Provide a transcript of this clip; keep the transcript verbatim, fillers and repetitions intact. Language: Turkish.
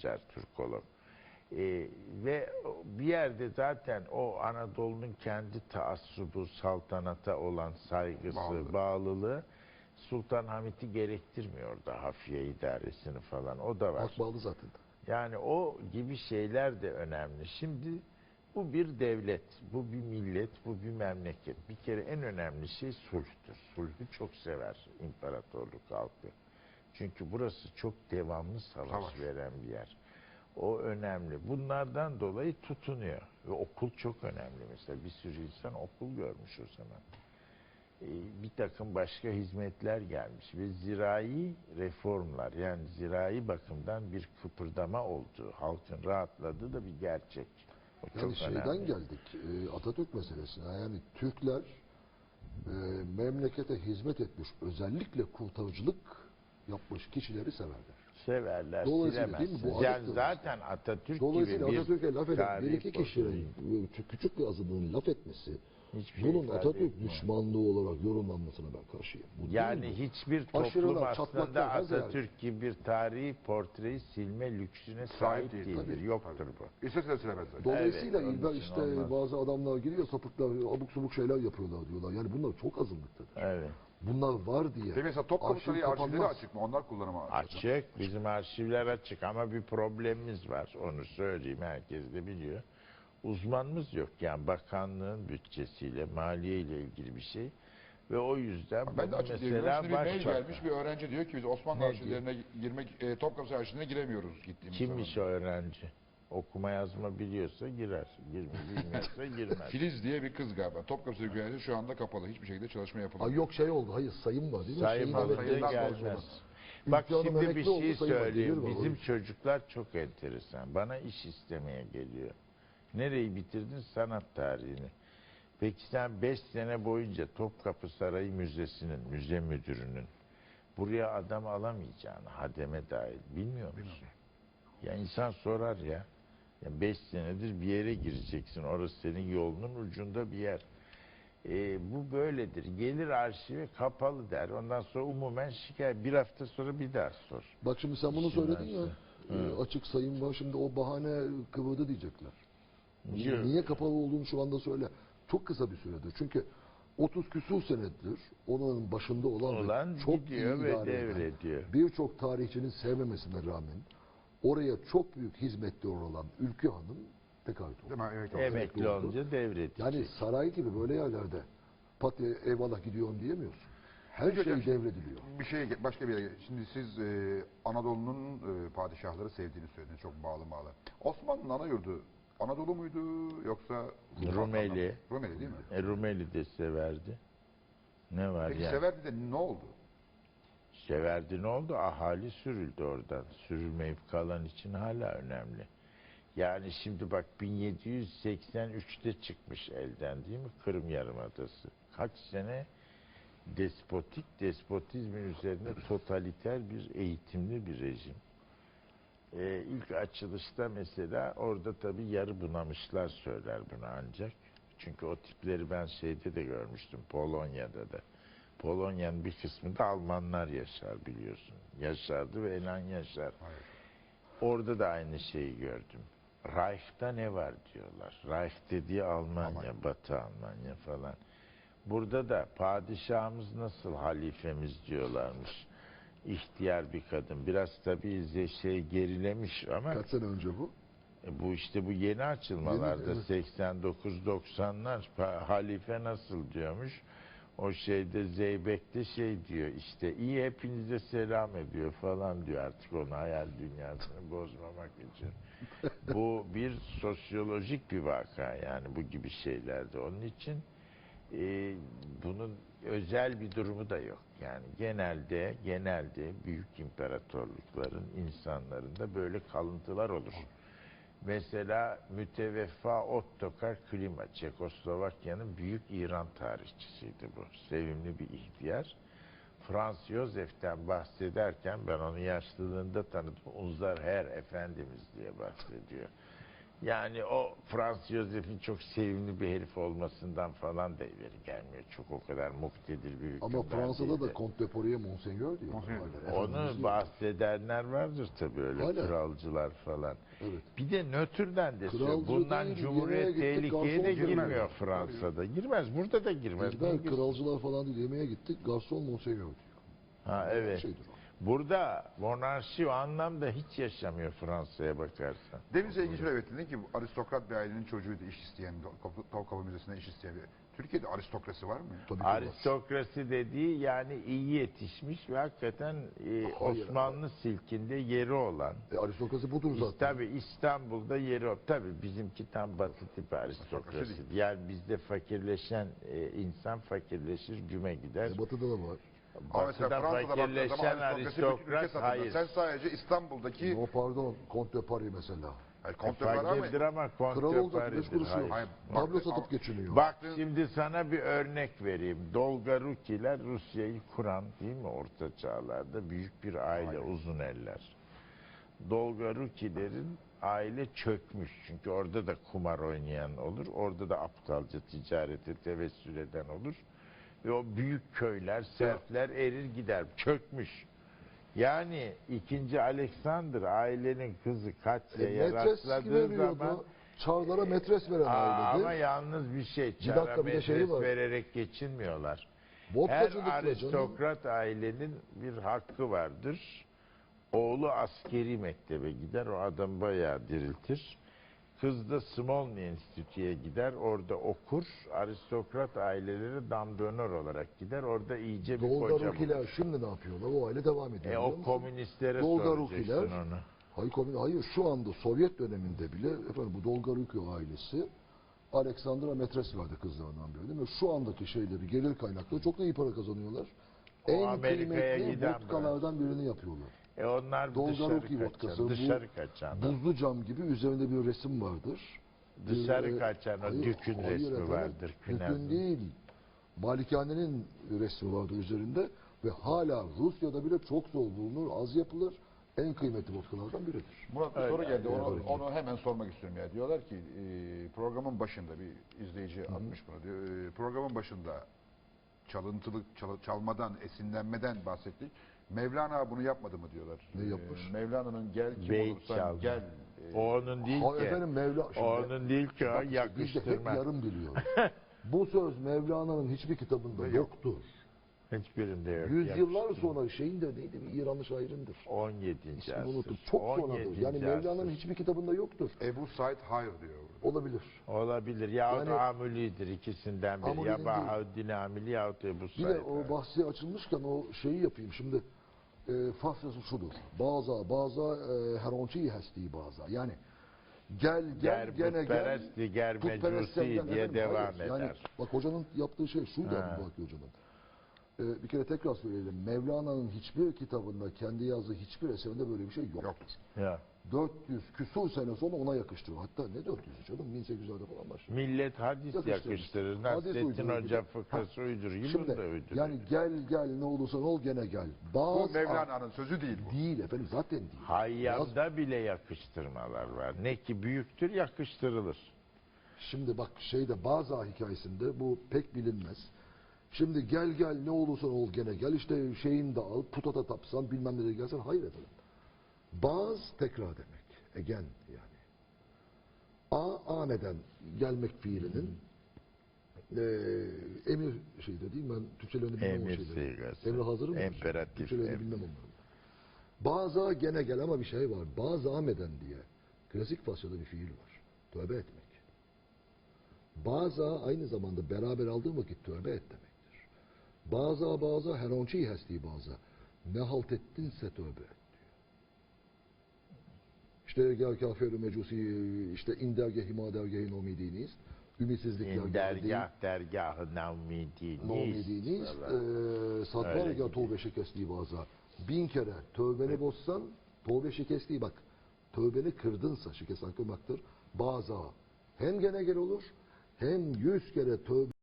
Türkolog. Ee, ve bir yerde zaten o Anadolu'nun kendi taassubu, saltanata olan saygısı, Bağlı. bağlılığı Sultan Hamit'i gerektirmiyor da hafiye idaresini falan. O da var. Halk bağlı zaten. Yani o gibi şeyler de önemli. Şimdi bu bir devlet, bu bir millet, bu bir memleket. Bir kere en önemli şey sulhtür. Sulhü çok sever imparatorluk halkı. Çünkü burası çok devamlı savaş, Savaş. veren bir yer. O önemli. Bunlardan dolayı tutunuyor. Ve okul çok önemli mesela. Bir sürü insan okul görmüş o zaman. Ee, bir takım başka hizmetler gelmiş ve zirai reformlar, yani zirai bakımdan bir kıpırdama oldu. Halkın rahatladığı da bir gerçek. O Yani çok şeyden önemli. geldik e, Atatürk meselesine. Yani Türkler e, memlekete hizmet etmiş, özellikle kurtarıcılık yapmış kişileri severler. Severler, Dolayısıyla değil mi? Bu silemezsiniz. Yani Atatürk- zaten Atatürk Dolayısıyla gibi bir Atatürk'e laf eden bir tarih iki kişinin bozuluyor. e, küçük bir azınlığın laf etmesi, Hiçbir şey bunun ifade Atatürk etmiyor. düşmanlığı olarak yorumlanmasına ben karşıyım. Bu değil Yani bu. hiçbir toplum Aşırılar, aslında çatlaklar her yer. Atatürk gibi bir tarihi portreyi silme lüksüne Sahip sahip değil, değildir. tabii, Yoktur tabii. bu. İstese de silemezler. Dolayısıyla Evet, onun İlber için işte olmaz. bazı adamlar giriyor, sapıklar abuk subuk şeyler yapıyorlar diyorlar. Yani bunlar çok azınlıktadır. Evet. Bunlar var diye. Peki mesela Topkapı arşiv Sarayı arşivleri kapanmaz. açık mı? Onlar kullanıma açık. Açık. Bizim arşivler açık ama bir problemimiz var. Onu söyleyeyim. Herkes de biliyor. Uzmanımız yok. Yani bakanlığın bütçesiyle, maliye ile ilgili bir şey. Ve o yüzden Ben de bunu açık diyebiliyorum. mesela Şimdi bir mail başbakan. gelmiş, bir öğrenci diyor ki biz Osmanlı Ne arşivlerine girmek, e, Topkapı Sarayı arşivine giremiyoruz gittiğimiz Kimmiş o zaman. öğrenci? Okuma yazma biliyorsa girer. Girme, bilmiyorsa girmez. Filiz diye bir kız galiba. Topkapı Sarayı güvenliği şu anda kapalı. Hiçbir şekilde çalışma yapılamıyor. Ay yok şey oldu. Hayır sayım var değil mi? Sayım Şeyin olunca olunca belirlenmesi sayımdan lazım gelmez. ona. Bak Ülke Hanım şimdi bir emekli oldu, şey sayım var, gelir söyleyeyim. var, o Bizim yüzden. çocuklar çok enteresan. Bana iş istemeye geliyor. Nereyi bitirdin? Sanat tarihini. Peki sen beş sene boyunca Topkapı Sarayı Müzesi'nin, müze müdürünün buraya adam alamayacağını, hademe dahil bilmiyor musun? Ya insan sorar ya. Ya beş senedir bir yere gireceksin. Orası senin yolunun ucunda bir yer. E, bu böyledir. Gelir arşive kapalı der. Ondan sonra umumen şikayet. Bir hafta sonra bir daha sor. Bak şimdi sen bunu İşin söyledin ya. varsa. e, açık sayım var. Şimdi o bahane kıvırdı diyecekler. Yok. Niye kapalı olduğunu şu anda söyle. Çok kısa bir süredir. Çünkü otuz küsur senedir onun başında olan, Olan ve çok gidiyor iyi ve idare eden, devrediyor. birçok tarihçinin sevmemesine rağmen oraya çok büyük hizmetleri olan Ülkü Hanım tekaüt oldu. Değil mi? Evet, Emekli Emekli oldu. olunca devredecek. Yani saray gibi böyle yerlerde pat eyvallah gidiyorum diyemiyorsun. Her Peki şey hocam, devrediliyor. Bir şey başka bir yere. Şimdi siz e, Anadolu'nun e, padişahları sevdiğini söylediniz. Çok bağlı bağlı. Osmanlı'nın ana yurdu Anadolu muydu yoksa Rumeli. Rumeli değil mi? E, Rumeli de severdi. Ne var Peki yani? Severdi de ne oldu? Severdi ne oldu? Ahali sürüldü oradan. Sürülmeyip kalan için hala önemli. Yani şimdi bak bin yedi yüz seksen üçte çıkmış elden değil mi? Kırım Yarımadası. Kaç sene despotik, despotizmin üzerine totaliter bir eğitimli bir rejim. Ee, ilk açılışta mesela orada tabii yarı bunamışlar söyler bunu ancak. Çünkü o tipleri ben şeyde de görmüştüm, Polonya'da da. Polonya'nın bir kısmında Almanlar yaşar biliyorsun. Yaşardı ve elan yaşar. Hayır. Orada da aynı şeyi gördüm. Reich'ta ne var diyorlar. Reich dediği Almanya, Almanya. Batı Almanya falan. Burada da padişahımız nasıl halifemiz diyorlarmış. İhtiyar bir kadın. Biraz tabii ze- şey gerilemiş ama Kaç sene önce bu? e, bu işte bu yeni açılmalarda Yeni, evet. seksen dokuz doksanlar pa- halife nasıl diyormuş. O şeyde Zeybek'te şey diyor işte iyi hepinize selam ediyor falan diyor artık onu hayal dünyasını bozmamak için. Bu bir sosyolojik bir vaka yani bu gibi şeylerde. Onun için e, bunun özel bir durumu da yok. Yani genelde genelde büyük imparatorlukların insanlarında böyle kalıntılar olur. Mesela müteveffa Ottokar Klima, Çekoslovakya'nın büyük İran tarihçisiydi bu. Sevimli bir ihtiyar. Franz Josef'ten bahsederken ben onu yaşlılığında tanıdım. Unser Herr Efendimiz diye bahsediyor. Yani o Frans Josef'in çok sevimli bir herif olmasından falan da ileri gelmiyor. Çok o kadar muktedir bir hükümdar Ama Fransa'da da değildi. Comte de Poirier Monseigneur diyor. Monseigneur. Onu bahsedenler vardır tabii öyle Hala. kralcılar falan. Evet. Bir de nötrden de söylüyor. Kralcı Bundan değil, Cumhuriyet yemeğe gittik, tehlikeye de garson girmiyor girmez. Fransa'da. Girmez. Burada da girmez. Dilber Niye girsin? kralcılar falan değil, yemeğe gittik. Garson Monseigneur diyor. Ha evet. Şeydir o. Burada monarşi o anlamda hiç yaşamıyor Fransa'ya bakarsan. Demin sevgili Şöyle dedin ki bu aristokrat bir ailenin çocuğuydu iş isteyen, Topkapı Müzesi'nde iş isteyen. Türkiye'de aristokrasi var mı? Tabii ki var. Aristokrasi dediği yani iyi yetişmiş ve hakikaten e, Hayır. Osmanlı silkinde yeri olan. E, aristokrasi budur zaten. Tabii İstanbul'da yeri o. Tabii bizimki tam batı tipi aristokrasi. Yani bizde fakirleşen e, insan fakirleşir, güme gider. E, batı'da da var. Ama mesela Batı'da Fransa'da baktığın fakirleşen zaman aristokrasi bütün ülke aristokrat satında. hayır. Sen sadece İstanbul'daki O pardon, Comte de Paris mesela. yani Comte var ama Fakirdir ama Kral konte olacak beş kuruşu yok. Hayır. Tablo Bak- satıp geçiniyor. Bak şimdi sana bir örnek vereyim. Dolgarukiler Rusya'yı kuran değil mi orta çağlarda büyük bir aile uzun eller. Dolgarukilerin aile çökmüş. Çünkü orada da kumar oynayan olur. Orada da aptalca ticarete tevessül eden olur. Ve o büyük köyler, serfler erir gider. Çökmüş. Yani ikinci Alexander ailenin kızı E, Katya'ya metres rastladığı veriyordu. zaman Çarlara metres veren Aa, ailedir. ama yalnız bir şey. Bir Çara dakika, bir de şeyi metres var. vererek geçinmiyorlar. Her Vodkacılıkla canım. aristokrat ailenin bir hakkı vardır. Oğlu askeri mektebe gider. O adam bayağı diriltir. Kız da Smolny Enstitü'ye gider. Orada okur. Aristokrat aileleri damdönör olarak gider. Orada iyice bir koca bulur. Dolgarukiler şimdi ne yapıyorlar? O aile devam ediyor. E biliyor o musun? komünistlere Dolgarukiler, soracaksın onu. hayır, komün- hayır şu anda Sovyet döneminde bile efendim bu Dolgaruki ailesi Aleksandra metres verdi kızlarından birine ve şu andaki şeyleri gelir kaynakları çok da iyi para kazanıyorlar. O En Amerika'ya kıymetli giden vodkalardan birini yapıyorlar. E onlar Dolgaruki dışarı vodkası, kaçan. bu Dışarı kaçan. Buzlu cam gibi üzerinde bir resim vardır. Dışarı Bir, e, kaçan o hayır, dükün hayır resmi efendim, vardır. Dükün Künez'in. değil. Malikanenin resmi vardır üzerinde ve hala Rusya'da bile çok zor bulunur, az yapılır. En kıymetli vodkalardan biridir. Murat bir Öyle, soru geldi. öyle. Onu, onu hemen sormak istiyorum ya. Diyorlar ki e, programın başında bir izleyici atmış bunu diyor. E, programın başında çalıntılık, çal- çalmadan, esinlenmeden bahsettik. Mevlana bunu yapmadı mı diyorlar. Ne yapmış? E, Mevlana'nın gel kim Beyt olursan çalma. gel. e, O onun değil Hayır ki. efendim Mevla... O Şimdi- onun değil ki o Bak işte biz de hep yakıştırma. yarım biliyoruz. Bu söz Mevlana'nın hiçbir kitabında Yok. yoktur. Hiçbirinde yok. Yüzyıllar yakıştırma. sonra şeyin de neydi bir İranlı şairindir. on yedinci İsmini asır. unuttum. Çok on sonradır. yedinci Yani Mevlana'nın asır. hiçbir kitabında yoktur. Ebu Said hayır diyor. Olabilir. Olabilir. Yahut Yani- Amüli'dir ikisinden biri. Amüli'nin Ya değil. Bahaüddin Amili yahut Ebu Bir Said. de o bahsi açılmışken o şeyi yapayım. Şimdi e, Farsçası şudur. Bazı bazı e, heronçi hesti bazı. Yani gel gel Ger gene gel. putperesti, ger putperest mecusi senden diye efendim, devam hayır. Yani eder. bak hocanın yaptığı şey şuydu Ha. Abu Bakır hocanın. E, bir kere tekrar söyleyelim. Mevlana'nın hiçbir kitabında kendi yazdığı hiçbir eserinde böyle bir şey yoktur. Yoktur. Ya. dört yüz küsur sene sonra ona yakıştırıyor. Hatta ne dört yüzü canım? bin sekiz yüzlerde falan başlıyor. Millet hadis Yakıştırmış. yakıştırır. Hadis Nasrettin uydurur. Hoca Ha. fıkrası uydurur. Şimdi Yılın da uyduruyor. yani gel gel ne olursan ol gene gel. Bu Bazı Mevlana'nın sözü değil bu. değil efendim zaten değil. Yaz- Hayyamda bile yakıştırmalar var. Ne ki büyüktür yakıştırılır. Şimdi bak şeyde bazı hikayesinde bu pek bilinmez. Şimdi gel gel ne olursan ol gene gel işte şeyini de al puta da tapsan bilmem ne de gelsen hayır efendim. Baz tekrar demek. Again yani. A ameden gelmek fiilinin eee emir şeyde değil mi? Ben Türkçelerini bilmem Emir o şeyleri. sigası. Emri hazır mı? Emperatif, Türkçelerini em- bilmem onları. Baza gene gel ama bir şey var. Bazı ameden diye klasik Farsçada bir fiil var. Tövbe etmek. Baza aynı zamanda beraber aldığın vakit tövbe et demektir. Baza baza heronçi hesti baza. Ne halt ettinse tövbe et diyor. İşte gel kafir mecusi işte indergehi madergehi nomidiniz. Ümitsizlik İn dergah dergahı navmidiniz. nomidiniz. Falan. Satvar Öyle ya tövbe şikesti baza. Bin kere tövbeni bozsan tövbe şikesti bak. Tövbeni kırdınsa şikest kırmaktır. Baza hem gene gel olur hem yüz kere tövbe